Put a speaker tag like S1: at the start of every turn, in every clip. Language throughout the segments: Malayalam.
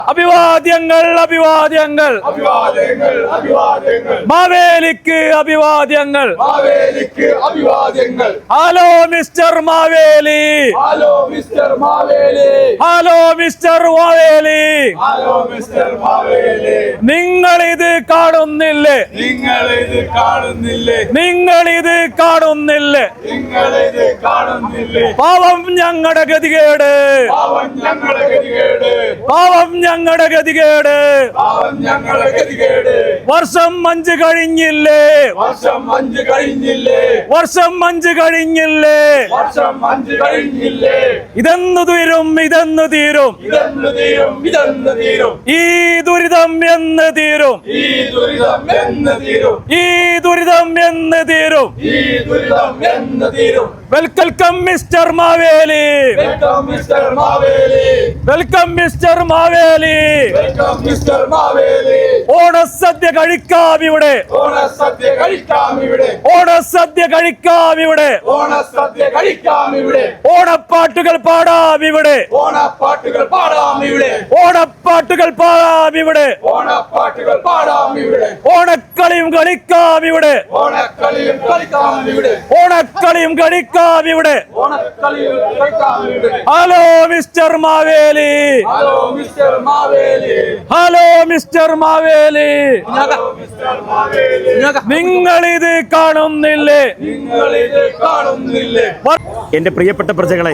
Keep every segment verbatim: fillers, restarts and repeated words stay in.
S1: അഭിവാദ്യങ്ങൾ അഭിവാദ്യങ്ങൾ
S2: അഭിവാദ്യങ്ങൾ അഭിവാദ്യങ്ങൾ
S1: മാവേലിക്ക് അഭിവാദ്യങ്ങൾ
S2: മാവേലിക്ക് അഭിവാദ്യങ്ങൾ.
S1: Hello mister Maveli,
S2: hello mister Maveli,
S1: hello mister Maveli,
S2: hello mister Maveli.
S1: നിങ്ങൾ ഇത് കാണുന്നില്ലേ,
S2: നിങ്ങൾ ഇത് കാണുന്നില്ലേ,
S1: നിങ്ങൾ ഇത് കാണുന്നില്ലേ,
S2: നിങ്ങൾ ഇത് കാണുന്നില്ലേ.
S1: പാവം ഞങ്ങളുടെ ഗതികേട്,
S2: പാവം ഞങ്ങളുടെ ഗതികേട്,
S1: പാവം ഞങ്ങളുടെ ഗതികേട്.
S2: പാവം ഞങ്ങളുടെ ഗതികേട്.
S1: വർഷം അഞ്ച് കഴിഞ്ഞില്ലേ,
S2: വർഷം അഞ്ച് കഴിഞ്ഞില്ലേ,
S1: വർഷം അഞ്ച് കഴിഞ്ഞില്ലേ,
S2: വർഷം അഞ്ച് കഴിഞ്ഞില്ലേ.
S1: ഇതെന്നു തീരും, ഇതെന്നു തീരും,
S2: ഇതെന്ന് തീരും, ഇതെന്ന് തീരും,
S1: ഈ ദുരിതം എന്ന് തീരും,
S2: ഈ ദുരിതം എന്ന് തീരും,
S1: ഈ ദുരിതം എന്ന് തീരും.
S2: ഈ ദുരിതം എന്ന് തീരും.
S1: Welcome mister Maveli,
S2: welcome mister Maveli,
S1: welcome mister Maveli.
S2: Welcome mister Maveli.
S1: ഓണസദ്യ കഴിക്കാം ഇവിടെ,
S2: ഓണസദ്യ കഴിക്കാം ഇവിടെ,
S1: ഓണസദ്യ കഴിക്കാം ഇവിടെ,
S2: ഓണസദ്യ കഴിക്കാം ഇവിടെ,
S1: ഓണപ്പാട്ടുകൾ പാടാം ഇവിടെ,
S2: ഓണപ്പാട്ടുകൾ പാടാം ഇവിടെ,
S1: ഓണപ്പാട്ടുകൾ പാടാം ഇവിടെ,
S2: ഓണപ്പാട്ടുകൾ പാടാം ഇവിടെ,
S1: ഓണക്കളിയും കളിക്കാം ഇവിടെ,
S2: ഓണക്കളിയും കളിക്കാം ഇവിടെ,
S1: ഓണക്കളിയും കളിക്കാം ഇവിടെ.
S2: ഓണക്കളിയും കളിക്കാം ഇവിടെ.
S1: Hello mister Maveli,
S2: hello mister Maveli,
S1: hello mister Maveli.
S2: Hello mister Maveli.
S1: നിങ്ങൾ ഇത് കാണുന്നില്ലേ,
S2: നിങ്ങൾ ഇത് കാണുന്നില്ലേ.
S3: എൻ്റെ പ്രിയപ്പെട്ട പ്രജകളെ,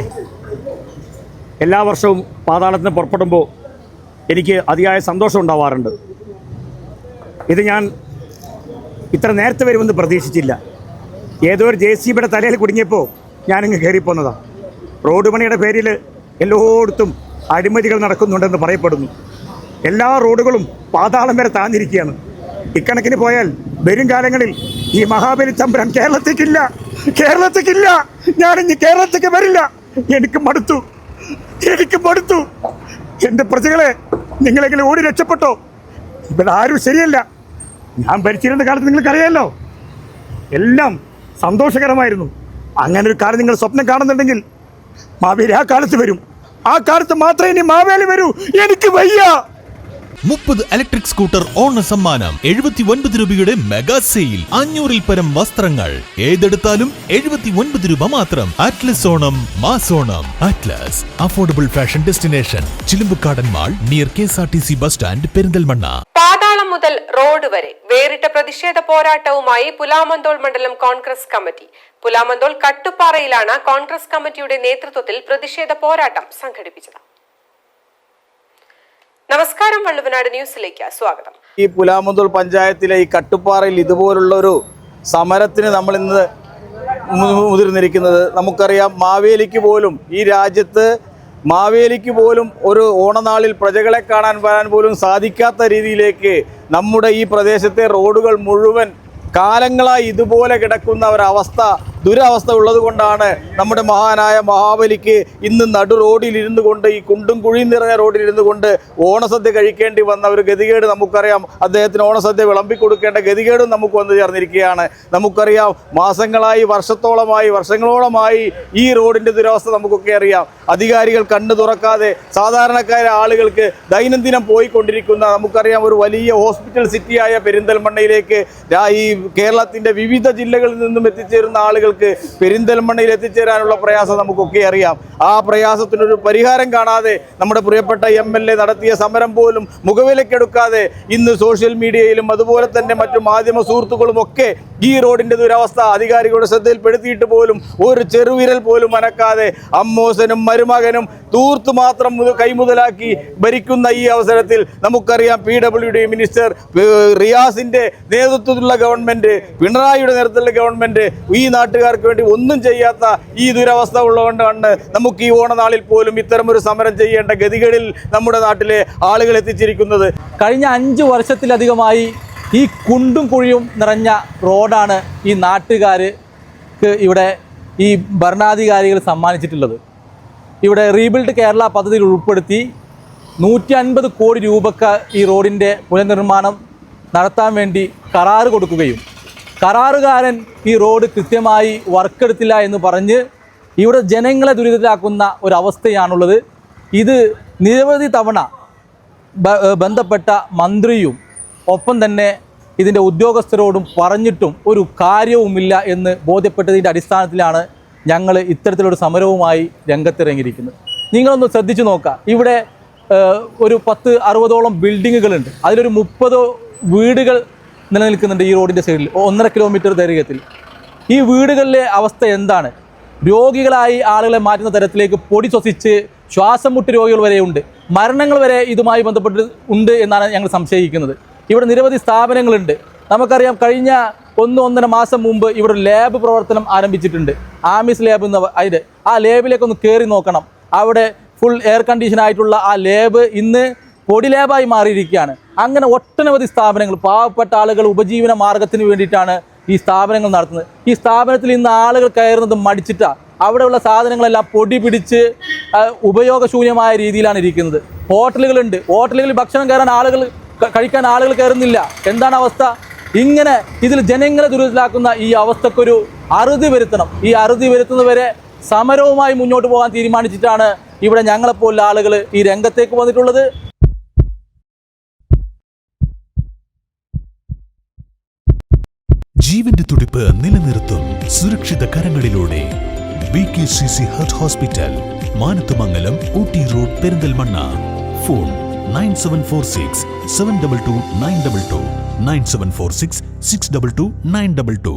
S3: എല്ലാ വർഷവും പാതാളത്തിന് പുറപ്പെടുമ്പോൾ എനിക്ക് അതിയായ സന്തോഷം ഉണ്ടാവാറുണ്ട്. ഇത് ഞാൻ ഇത്ര നേരത്തെ വരുമെന്ന് പ്രതീക്ഷിച്ചില്ല. ഏതോ ഒരു ജെ സി ബിയുടെ തലയിൽ കുടുങ്ങിയപ്പോൾ ഞാനിങ്ങ് കയറിപ്പോന്നതാണ്. റോഡ് പണിയുടെ പേരിൽ എല്ലായിടത്തും അഴിമതികൾ നടക്കുന്നുണ്ടെന്ന് പറയപ്പെടുന്നു. എല്ലാ റോഡുകളും പാതാളം വരെ താഴ്ന്നിരിക്കുകയാണ്. ഇക്കണക്കിന് പോയാൽ വരും കാലങ്ങളിൽ ഈ മഹാബലി തമ്പുരാൻ കേരളത്തേക്കില്ല, കേരളത്തേക്കില്ല. ഞാനിഞ്ഞ് കേരളത്തേക്ക് വരില്ല. എനിക്ക് മടുത്തു, എനിക്ക് മടുത്തു. എൻ്റെ പ്രജകളെ, നിങ്ങളെങ്കിലും ഓടി രക്ഷപ്പെട്ടോ. ഇവിടെ ആരും ശരിയല്ല. ഞാൻ ഭരിച്ചിരുന്ന കാലത്ത് നിങ്ങൾക്കറിയാമല്ലോ, എല്ലാം സന്തോഷകരമായിരുന്നു. അങ്ങനെ ഒരു കാലം നിങ്ങൾ സ്വപ്നം കാണുന്നുണ്ടെങ്കിൽ മാവേലി ആ കാലത്ത് വരും. ആ കാലത്ത് മാത്രമേ ഇനി മാവേലി വരൂ. എനിക്ക് വയ്യ.
S4: മുപ്പത് ഇലക്ട്രിക് സ്കൂട്ടർ ഓണ സമ്മാനം, എഴുപത്തി ഒൻപത് രൂപയുടെ മെഗാ സെയിൽ, അഞ്ഞൂറിൽ പരം വസ്ത്രങ്ങൾ, ഏതെടുത്താലും എഴുപത്തി ഒൻപത് രൂപ മാത്രം. അറ്റ്ലസ് ഓണം മാസോണം. Atlas affordable fashion destination, Chilumbukkadan mall, near K S R T C bus stand, Perinthalmanna.
S5: പാതാളം മുതൽ റോഡ് വരെ വേറിട്ട പ്രതിഷേധ പോരാട്ടവുമായി പുലാമന്തോൾ മണ്ഡലം കോൺഗ്രസ് കമ്മിറ്റി. പുലാമന്തോൾ കട്ടുപ്പാറയിലാണ് കോൺഗ്രസ് കമ്മിറ്റിയുടെ നേതൃത്വത്തിൽ പ്രതിഷേധ പോരാട്ടം സംഘടിപ്പിച്ചത്. നമസ്കാരം, വള്ളുവനാട് ന്യൂസിലേക്ക് സ്വാഗതം.
S6: ഈ പുലാമന്തോൾ പഞ്ചായത്തിലെ ഈ കട്ടുപ്പാറയിൽ ഇതുപോലുള്ളൊരു സമരത്തിന് നമ്മൾ ഇന്ന് മുതിർന്നിരിക്കുന്നത് നമുക്കറിയാം. മാവേലിക്ക് പോലും, ഈ രാജ്യത്ത് മാവേലിക്ക് പോലും ഒരു ഓണനാളിൽ പ്രജകളെ കാണാൻ വരാൻ പോലും സാധിക്കാത്ത രീതിയിലേക്ക് നമ്മുടെ ഈ പ്രദേശത്തെ റോഡുകൾ മുഴുവൻ കാലങ്ങളായി ഇതുപോലെ കിടക്കുന്ന ഒരവസ്ഥ, ദുരവസ്ഥ ഉള്ളത് കൊണ്ടാണ് നമ്മുടെ മഹാനായ മഹാബലിക്ക് ഇന്ന് നടു റോഡിൽ ഇരുന്നു കൊണ്ട്, ഈ കുണ്ടും കുഴിയും നിറഞ്ഞ റോഡിൽ ഇരുന്നു കൊണ്ട് ഓണസദ്യ കഴിക്കേണ്ടി വന്ന ഒരു ഗതികേട് നമുക്കറിയാം. അദ്ദേഹത്തിന് ഓണസദ്യ വിളമ്പിക്കൊടുക്കേണ്ട ഗതികേടും നമുക്ക് വന്നു ചേർന്നിരിക്കുകയാണ്. നമുക്കറിയാം, മാസങ്ങളായി, വർഷത്തോളമായി, വർഷങ്ങളോളമായി ഈ റോഡിൻ്റെ ദുരവസ്ഥ നമുക്കൊക്കെ അറിയാം. അധികാരികൾ കണ്ണു തുറക്കാതെ സാധാരണക്കാരായ ആളുകൾക്ക് ദൈനംദിനം പോയിക്കൊണ്ടിരിക്കുന്ന, നമുക്കറിയാം, ഒരു വലിയ ഹോസ്പിറ്റൽ സിറ്റിയായ പെരിന്തൽമണ്ണയിലേക്ക് ഈ കേരളത്തിൻ്റെ വിവിധ ജില്ലകളിൽ നിന്നും എത്തിച്ചേരുന്ന ആളുകൾക്ക് പെരിന്തൽമണ്ണയിൽ എത്തിച്ചേരാനുള്ള പ്രയാസം നമുക്കൊക്കെ അറിയാം. ആ പ്രയാസത്തിനൊരു പരിഹാരം കാണാതെ നമ്മുടെ പ്രിയപ്പെട്ട എം എൽ എ നടത്തിയ സമരം പോലും മുഖവിലക്കെടുക്കാതെ ഇന്ന് സോഷ്യൽ മീഡിയയിലും അതുപോലെ തന്നെ മറ്റു മാധ്യമ സുഹൃത്തുക്കളും ഒക്കെ ഈ റോഡിൻ്റെ ദുരവസ്ഥ അധികാരികളുടെ ശ്രദ്ധയിൽപ്പെടുത്തിയിട്ട് പോലും ഒരു ചെറുവിരൽ പോലും അനക്കാതെ അമ്മോസനും മരുമകനും തൂർത്തു മാത്രം കൈമുതലാക്കി ഭരിക്കുന്ന ഈ അവസരത്തിൽ നമുക്കറിയാം, പി ഡബ്ല്യു ഡി മിനിസ്റ്റർ റിയാസിൻ്റെ നേതൃത്വത്തിലുള്ള ഗവൺമെൻറ്, പിണറായിയുടെ നേതൃത്വത്തിലുള്ള ഗവൺമെൻറ് ഈ നാട്ടുകാർക്ക് വേണ്ടി ഒന്നും ചെയ്യാത്ത ഈ ദുരവസ്ഥ ഉള്ളതുകൊണ്ടാണ് നമുക്ക് ഈ ഓണനാളിൽ പോലും ഇത്തരമൊരു സമരം ചെയ്യേണ്ട ഗതികളിൽ നമ്മുടെ നാട്ടിലെ ആളുകൾ എത്തിച്ചിരിക്കുന്നത്.
S7: കഴിഞ്ഞ അഞ്ച് വർഷത്തിലധികമായി ഈ കുണ്ടും കുഴിയും നിറഞ്ഞ റോഡാണ് ഈ നാട്ടുകാർക്ക് ഇവിടെ ഈ ഭരണാധികാരികൾ സമ്മാനിച്ചിട്ടുള്ളത്. ഇവിടെ റീബിൽഡ് കേരള പദ്ധതിയിൽ ഉൾപ്പെടുത്തി നൂറ്റി അൻപത് കോടി രൂപക്ക് ഈ റോഡിൻ്റെ പുനർനിർമ്മാണം നടത്താൻ വേണ്ടി കരാറ് കൊടുക്കുകയും കരാറുകാരൻ ഈ റോഡ് കൃത്യമായി വർക്കെടുത്തില്ല എന്ന് പറഞ്ഞ് ഇവിടെ ജനങ്ങളെ ദുരിതത്തിലാക്കുന്ന ഒരവസ്ഥയാണുള്ളത്. ഇത് നിരവധി തവണ ബന്ധപ്പെട്ട മന്ത്രിയും ഒപ്പം തന്നെ ഇതിൻ്റെ ഉദ്യോഗസ്ഥരോടും പറഞ്ഞിട്ടും ഒരു കാര്യവുമില്ല എന്ന് ബോധ്യപ്പെട്ടതിൻ്റെ അടിസ്ഥാനത്തിലാണ് ഞങ്ങൾ ഇത്തരത്തിലൊരു സമരവുമായി രംഗത്തിറങ്ങിയിരിക്കുന്നത്. നിങ്ങളൊന്ന് ശ്രദ്ധിച്ചു നോക്കുക, ഇവിടെ ഒരു പത്ത് അറുപതോളം ബിൽഡിങ്ങുകളുണ്ട്, അതിലൊരു മുപ്പത് വീടുകൾ നിലനിൽക്കുന്നുണ്ട് ഈ റോഡിൻ്റെ സൈഡിൽ, ഒന്നര കിലോമീറ്റർ ദൈർഘ്യത്തിൽ. ഈ വീടുകളിലെ അവസ്ഥ എന്താണ്? രോഗികളായി ആളുകളെ മാറ്റുന്ന തരത്തിലേക്ക് പൊടി ശ്വസിച്ച് ശ്വാസം മുട്ട് രോഗികൾ വരെയുണ്ട്, മരണങ്ങൾ വരെ ഇതുമായി ബന്ധപ്പെട്ട് ഉണ്ട് എന്നാണ് ഞങ്ങൾ സംശയിക്കുന്നത്. ഇവിടെ നിരവധി സ്ഥാപനങ്ങളുണ്ട്. നമുക്കറിയാം, കഴിഞ്ഞ ഒന്ന് ഒന്നര മാസം മുമ്പ് ഇവിടെ ലാബ് പ്രവർത്തനം ആരംഭിച്ചിട്ടുണ്ട്, ആമിസ് ലാബ് എന്ന അതിൻ്റെ ആ ലാബിലേക്കൊന്ന് കയറി നോക്കണം. അവിടെ ഫുൾ എയർ കണ്ടീഷൻ ആയിട്ടുള്ള ആ ലാബ് ഇന്ന് പൊടി ലാബായി മാറിയിരിക്കുകയാണ്. അങ്ങനെ ഒട്ടനവധി സ്ഥാപനങ്ങൾ, പാവപ്പെട്ട ആളുകൾ ഉപജീവന മാർഗത്തിന് വേണ്ടിയിട്ടാണ് ഈ സ്ഥാപനങ്ങൾ നടത്തുന്നത്. ഈ സ്ഥാപനത്തിൽ ഇന്ന് ആളുകൾ കയറുന്നത് മടിച്ചിട്ടാണ്. അവിടെയുള്ള സാധനങ്ങളെല്ലാം പൊടി പിടിച്ച് ഉപയോഗശൂന്യമായ രീതിയിലാണ് ഇരിക്കുന്നത്. ഹോട്ടലുകളുണ്ട്, ഹോട്ടലുകളിൽ ഭക്ഷണം കയറാൻ ആളുകൾ കഴിക്കാൻ ആളുകൾ കയറുന്നില്ല. എന്താണ് അവസ്ഥ? ഇങ്ങനെ ഇതിൽ ജനങ്ങളെ ദുരിതത്തിലാക്കുന്ന ഈ അവസ്ഥക്കൊരു അറുതി വരുത്തണം. ഈ അറുതി വരുത്തുന്നവരെ സമരവുമായി മുന്നോട്ട് പോകാൻ തീരുമാനിച്ചിട്ടാണ് ഇവിടെ ഞങ്ങളെപ്പോലുള്ള ആളുകൾ ഈ രംഗത്തേക്ക് വന്നിട്ടുള്ളത്.
S4: ജീവന്റെ തുടിപ്പ് നിലനിർത്തും സുരക്ഷിത കരങ്ങളിലൂടെ B K C C heart hospital, Manathumangalam, Ooty road, Perinthalmanna. Phone nine seven four six seven double two nine double two, nine seven four six six double two nine double to.